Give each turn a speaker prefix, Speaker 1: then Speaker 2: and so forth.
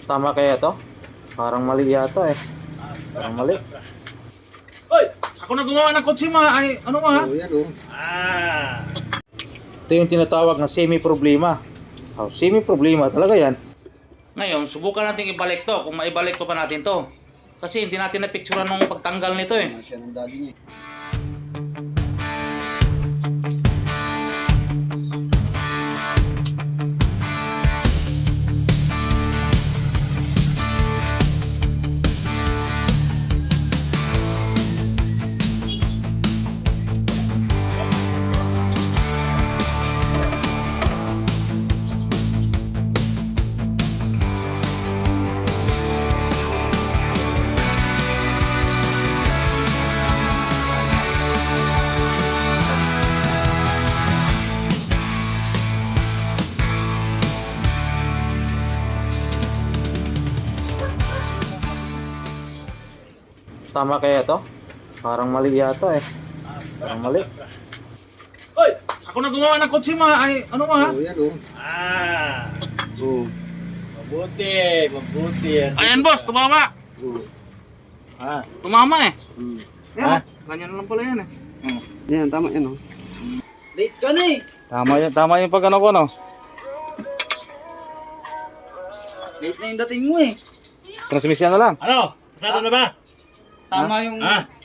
Speaker 1: Tama kaya to? Parang mali yata eh. Parang mali.
Speaker 2: Hoy! Ako na gumawa ng kotse mga ay ano mga?
Speaker 3: Oh, yan oh.
Speaker 1: Ito yung tinatawag na semi-problema. Oh, semi-problema talaga yan.
Speaker 2: Ngayon, subukan natin ibalik to. Kung maibalik ko pa natin to. Kasi hindi natin na-picturean nung pagtanggal nito eh.
Speaker 3: Ano siya ng daddy niya.
Speaker 1: Tama kaya to? Parang mali yata eh. Parang mali.
Speaker 2: Hoy! Ako na gumawa ng kotse mga ay ano mga?
Speaker 3: Oh, yan oh. Oh.
Speaker 4: Mabuti, mabuti yan.
Speaker 2: Ayan boss, tumama.
Speaker 3: Oh.
Speaker 2: Tumama eh.
Speaker 4: Ha?
Speaker 2: Ganyan lang pala yan eh.
Speaker 3: Yan, tama yan oh.
Speaker 2: Late ka na eh.
Speaker 1: Tama yung pag ano ko no.
Speaker 2: Late na yung dating mo eh.
Speaker 1: Transmission na lang.
Speaker 4: Ano? Pasado na ba?
Speaker 2: Tama yung